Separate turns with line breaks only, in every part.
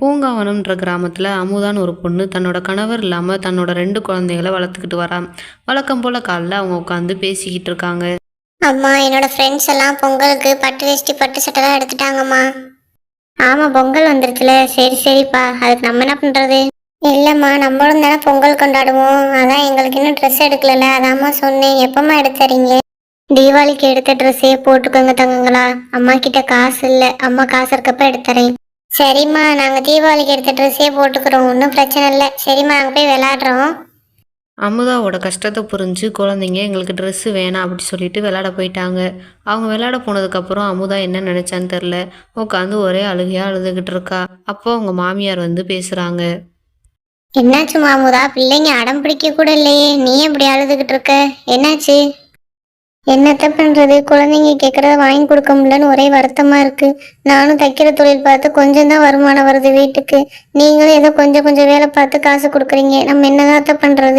பூங்காவனம்ன்ற கிராமத்தில் அமுதான்னு ஒரு பொண்ணு தன்னோட கணவர் இல்லாமல் தன்னோட 2 குழந்தைகளை வளர்த்துக்கிட்டு வரான். வழக்கம் போல் காலைல அவங்க உட்காந்து பேசிக்கிட்டு இருக்காங்க.
அம்மா, என்னோட ஃப்ரெண்ட்ஸ் எல்லாம் பொங்கலுக்கு பட்டு வேஷ்டி பட்டு சட்டைலாம் எடுத்துட்டாங்கம்மா. ஆமா, பொங்கல் வந்துருச்சுல. சரி சரிப்பா, அதுக்கு நம்ம என்ன பண்றது? இல்லம்மா, நம்மளும் தானே பொங்கல் கொண்டாடுவோம். அதான் எங்களுக்கு இன்னும் ட்ரெஸ் எடுக்கல. அதாம்மா சொன்னேன். எப்பம்மா எடுத்துறீங்க? தீபாவளிக்கு எடுத்த ட்ரெஸ்ஸே போட்டுக்கோங்க தங்கங்களா. அம்மா கிட்ட காசு இல்லை. அம்மா காசு இருக்கப்ப எடுத்துறேன். சரிம்மா, நாங்க தீபாவளிக்கு எடுத்த ட்ரெஸ்ஸே போட்டுக்கிறோம். ஒன்றும் பிரச்சனை இல்லை. சரிம்மா, நாங்கள் போய் விளையாடுறோம்.
அமுதாவோட கஷ்டத்தை புரிஞ்சு குழந்தைங்க எங்களுக்கு ட்ரெஸ்ஸு வேணாம் அப்படி சொல்லிட்டு விளையாட போயிட்டாங்க. அவங்க விளையாட போனதுக்கப்புறம் அமுதா என்ன நினச்சான்னு தெரில, உட்காந்து ஒரே அழுகையாக அழுதுகிட்டு இருக்கா. அப்போ அவங்க மாமியார் வந்து பேசுகிறாங்க.
என்னாச்சு மாமுதா? பிள்ளைங்க அடம் பிடிக்க கூட இல்லையே, நீ எப்படி அழுதுகிட்டு இருக்க? என்னாச்சு? என்னத்த பண்றது, குழந்தைங்க கேட்கறத வாங்கி கொடுக்க முடியலன்னு ஒரே வருத்தமா இருக்கு. நானும் தைக்கிற தொழில் பார்த்து கொஞ்சம் தான் வருமானம் வருது வீட்டுக்கு. நீங்களும் ஏதோ கொஞ்சம் கொஞ்சம் வேலை பார்த்து காசு கொடுக்குறீங்க. நம்ம என்னதான் பண்றது?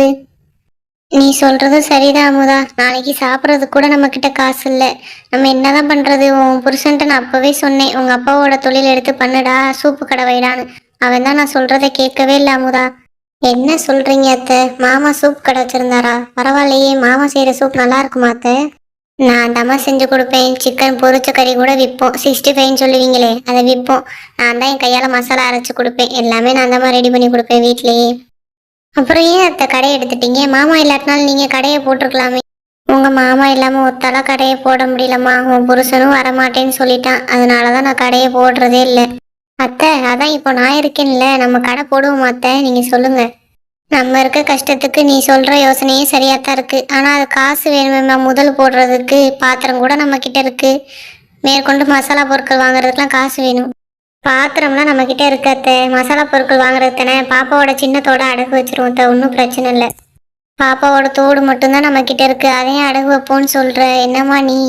நீ சொல்றதும் சரிதான் அமுதா. நாளைக்கு சாப்பிட்றதுக்கு கூட நம்ம கிட்ட காசு இல்லை. நம்ம என்னதான் பண்றது? உன் புருஷன்ட்ட நான் அப்பவே சொன்னேன், உங்க அப்பாவோட தொழில் எடுத்து பண்ணுடா, சூப்பு கடை வைடான்னு. அவன் தான் நான் சொல்றதை கேட்கவே இல்லை அமுதா. என்ன சொல்றீங்க அத்தை? மாமா சூப் கடை வச்சிருந்தாரா? பரவாயில்லையே, மாமா செய்யற சூப் நல்லா இருக்குமா அத்தை? நான் தம்மா செஞ்சு கொடுப்பேன். சிக்கன் பொரிச்ச கறி கூட விற்போம். 65 சொல்லுவீங்களே, அதை விற்போம். நான் தான் என் கையால் மசாலா அரைச்சி கொடுப்பேன். எல்லாமே நான் தான் ரெடி பண்ணி கொடுப்பேன் வீட்லேயே. அப்புறம் ஏன் அத்தை கடையை எடுத்துட்டீங்க? மாமா இல்லாட்டினாலும் நீங்கள் கடையை போட்டிருக்கலாமே. உங்கள் மாமா இல்லாமல் ஒத்தால கடையை போட முடியலம்மா. உன் புருஷனும் வரமாட்டேன்னு சொல்லிட்டான். அதனால தான் நான் கடையை போடுறதே இல்லை. அத்தை, அதான் இப்போ நான் இருக்கேன்ல, நம்ம கடை போடுவோம் அத்தை, நீங்கள் சொல்லுங்கள். நம்ம இருக்க கஷ்டத்துக்கு நீ சொல்கிற யோசனையே சரியாக தான் இருக்குது. ஆனால் அது காசு வேணுமேம்மா. முதல் போடுறதுக்கு பாத்திரம் கூட நம்ம கிட்ட இருக்குது. மேற்கொண்டு மசாலா பொருட்கள் வாங்குறதுக்கெலாம் காசு வேணும். பாத்திரம்லாம் நம்ம கிட்ட இருக்காத்த. மசாலா பொருட்கள் வாங்குறது தானே. பாப்பாவோட சின்னத்தோட அடகு வச்சிருவோம். ஒன்றும் பிரச்சனை இல்லை. பாப்பாவோட தோடு மட்டும்தான் நம்ம கிட்ட இருக்கு. அதையும் அடகு வைப்போன்னு சொல்ற. என்னம்மா நீ?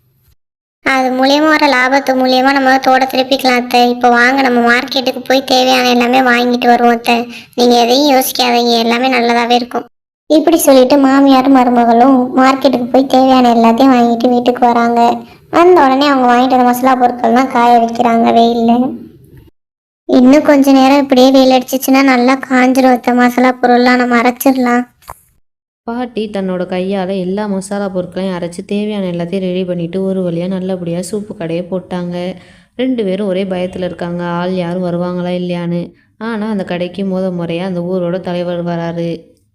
அது மூலியமா வர லாபத்து மூலியமா நம்ம தோட திருப்பிக்கலாம் அத்தை. இப்போ வாங்க, நம்ம மார்க்கெட்டுக்கு போய் தேவையான எல்லாமே வாங்கிட்டு வருவோம் அத்தை. நீங்க எதையும் யோசிக்காதீங்க, எல்லாமே நல்லதாவே இருக்கும். இப்படி சொல்லிட்டு மாமியாரும் மருமகளும் மார்க்கெட்டுக்கு போய் தேவையான எல்லாத்தையும் வாங்கிட்டு வீட்டுக்கு வராங்க. வந்த உடனே அவங்க வாங்கிட்டு வந்த மசாலா பொருட்கள்லாம் காய வைக்கிறாங்க வெயில்ல. இன்னும் கொஞ்ச நேரம் இப்படியே வெயில் அடிச்சிச்சுன்னா நல்லா காஞ்சிரும் அத்தை. மசாலா பொருள்லாம் நம்ம அரைச்சிடலாம்.
பாட்டி தன்னோட கையால் எல்லா மசாலா பொருட்களையும் அரைச்சி தேவையான எல்லாத்தையும் ரெடி பண்ணிவிட்டு ஒரு வழியாக நல்லபடியாக சூப்பு கடையை போட்டாங்க. 2 பேரும் ஒரே பயத்தில் இருக்காங்க, ஆள் யாரும் வருவாங்களா இல்லையான்னு. ஆனால் அந்த கடைக்கு முறையாக அந்த ஊரோட தலைவர் வராரு.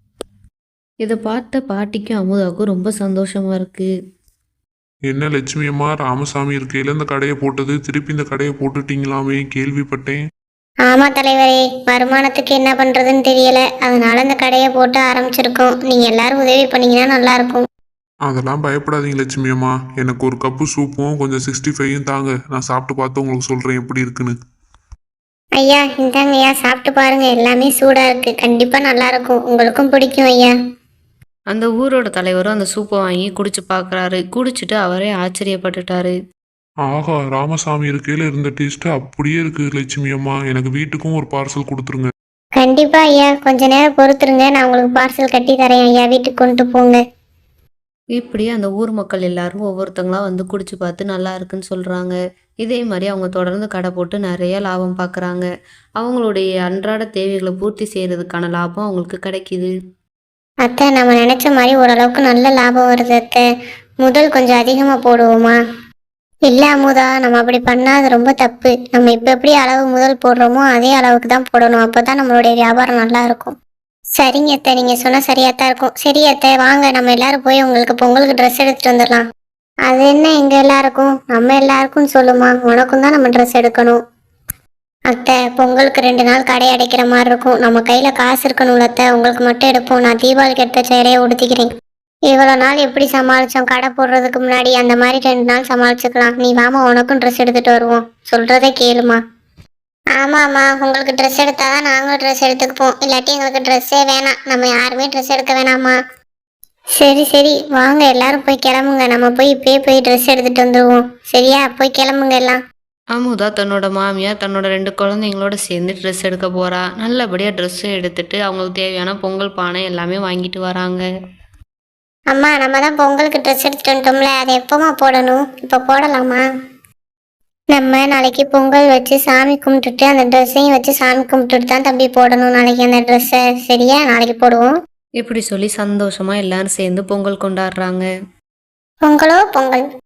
இதை பார்த்த பாட்டிக்கும் அமுதாவுக்கும் ரொம்ப சந்தோஷமாக இருக்குது.
என்ன லட்சுமி அம்மா, ராமசாமி இருக்கையில இந்த கடையை போட்டது, திருப்பி இந்த கடையை போட்டுட்டீங்களாமே கேள்விப்பட்டேன்.
ஆமா தலைவரே, வருமானத்துக்கு என்ன பண்றதுன்னு தெரியல. அதனால இந்த கடையை போட்டு ஆரம்பிச்சிருக்கோம். நீங்க எல்லாரும் உதவி பண்ணீங்கன்னா நல்லா இருக்கும்.
அதெல்லாம் பயப்படாதீங்க லட்சுமி அம்மா. எனக்கு ஒரு கப்பு சூப்பும் கொஞ்சம் 65யும் தாங்க. நான் சாப்பிட்டு பார்த்து உங்களுக்கு சொல்றேன் எப்படி இருக்குன்னு.
ஐயா இந்தாங்க ஐயா, சாப்பிட்டு பாருங்க. எல்லாமே சூடா இருக்கு. கண்டிப்பா நல்லா இருக்கும். உங்களுக்கும் பிடிக்கும் ஐயா.
அந்த ஊரோட தலைவரும் அந்த சூப்பை வாங்கி குடிச்சு பார்க்குறாரு. குடிச்சிட்டு அவரே ஆச்சரியப்பட்டுட்டாரு.
ஆஹா, ராமசாமி இருக்கையில இருந்த டேஸ்ட் அப்படியே இருக்கு லட்சுமி அம்மா. எனக்கு வீட்டுக்கும் ஒரு பார்சல் கொடுத்துருங்க.
கண்டிப்பா ஐயா, கொஞ்ச நேரம் பொறுத்துருங்க. நான் உங்களுக்கு பார்சல் கட்டி தரேன் ஐயா. வீட்டுக்கு கொண்டு போங்க.
இப்படி அந்த ஊர் மக்கள் எல்லாரும் ஒவ்வொருத்தங்களா வந்து குடிச்சு பார்த்து நல்லா இருக்குன்னு சொல்கிறாங்க. இதே மாதிரி அவங்க தொடர்ந்து கடை போட்டு நிறைய லாபம் பார்க்குறாங்க. அவங்களுடைய அன்றாட தேவைகளை பூர்த்தி செய்கிறதுக்கான லாபம் அவங்களுக்கு கிடைக்கிது.
அத்தை, நம்ம நினைச்ச மாதிரி ஓரளவுக்கு நல்ல லாபம் வருது அத்தை. முதல் கொஞ்சம் அதிகமா போடுவோமா? இல்ல அமுதா, நம்ம அப்படி பண்ணா அது ரொம்ப தப்பு. நம்ம இப்ப எப்படி அளவு முதல் போடுறோமோ அதே அளவுக்கு தான் போடணும். அப்பதான் நம்மளுடைய வியாபாரம் நல்லா இருக்கும். சரிங்க அத்தை, நீங்க சொன்னா சரியாத்தான் இருக்கும். சரி அத்தை, வாங்க நம்ம எல்லாரும் போய் உங்களுக்கு பொங்கலுக்கு ட்ரெஸ் எடுத்துட்டு வந்துடலாம். அது என்ன எங்க எல்லாருக்கும்? நம்ம எல்லாருக்கும் சொல்லுமா, உனக்கும் தான் நம்ம ட்ரெஸ் எடுக்கணும். அத்தை, பொங்கலுக்கு 2 நாள் கடை அடைக்கிற மாதிரி இருக்கும். நம்ம கையில காசு இருக்கணும்ல அத்தை. உங்களுக்கு மட்டும் எடுப்போம். நான் தீபாவளிக்கு எடுத்த சேலையை உடுத்திக்கிறேன். இவ்வளோ நாள் எப்படி சமாளித்தோம்? கடை போடுறதுக்கு முன்னாடி அந்த மாதிரி 2 நாள் சமாளிச்சுக்கலாம். நீ வாமா, உனக்கும் ட்ரெஸ் எடுத்துகிட்டு வருவோம். சொல்கிறதே கேளுமா. ஆமாம்மா, உங்களுக்கு ட்ரெஸ் எடுத்தால் தான் நாங்களும் ட்ரெஸ் எடுத்துக்குப்போம். இல்லாட்டி எங்களுக்கு ட்ரெஸ்ஸே வேணாம். நம்ம யாருமே ட்ரெஸ் எடுக்க வேணாமா? சரி சரி, வாங்க எல்லாரும் போய் கிளம்புங்க. நம்ம போய் இப்பயே போய் ட்ரெஸ் எடுத்துகிட்டு வந்துடுவோம். சரியா? போய் கிளம்புங்க எல்லாம்.
அமுதா தன்னோட மாமியார் தன்னோட 2 குழந்தைங்களோட சேர்ந்து ட்ரெஸ் எடுக்க போகிறா. நல்லபடியாக ட்ரெஸ்ஸு எடுத்துட்டு அவங்களுக்கு தேவையான பொங்கல் பானை எல்லாமே வாங்கிட்டு வராங்க.
அம்மா, நம்ம தான் பொங்கலுக்கு ட்ரெஸ் எடுத்துட்டு வந்துட்டோம்ல, அதை எப்போமா போடணும்? இப்போ போடலாமா? நம்ம நாளைக்கு பொங்கல் வச்சு சாமி கும்பிட்டுட்டு அந்த ட்ரெஸ்ஸையும் வச்சு சாமி கும்பிட்டுட்டு தான் தம்பி போடணும் நாளைக்கு அந்த ட்ரெஸ்ஸை. சரியா? நாளைக்கு போடுவோம்.
இப்படி சொல்லி சந்தோஷமாக எல்லாரும் சேர்ந்து பொங்கல் கொண்டாடுறாங்க.
பொங்கலோ பொங்கல்.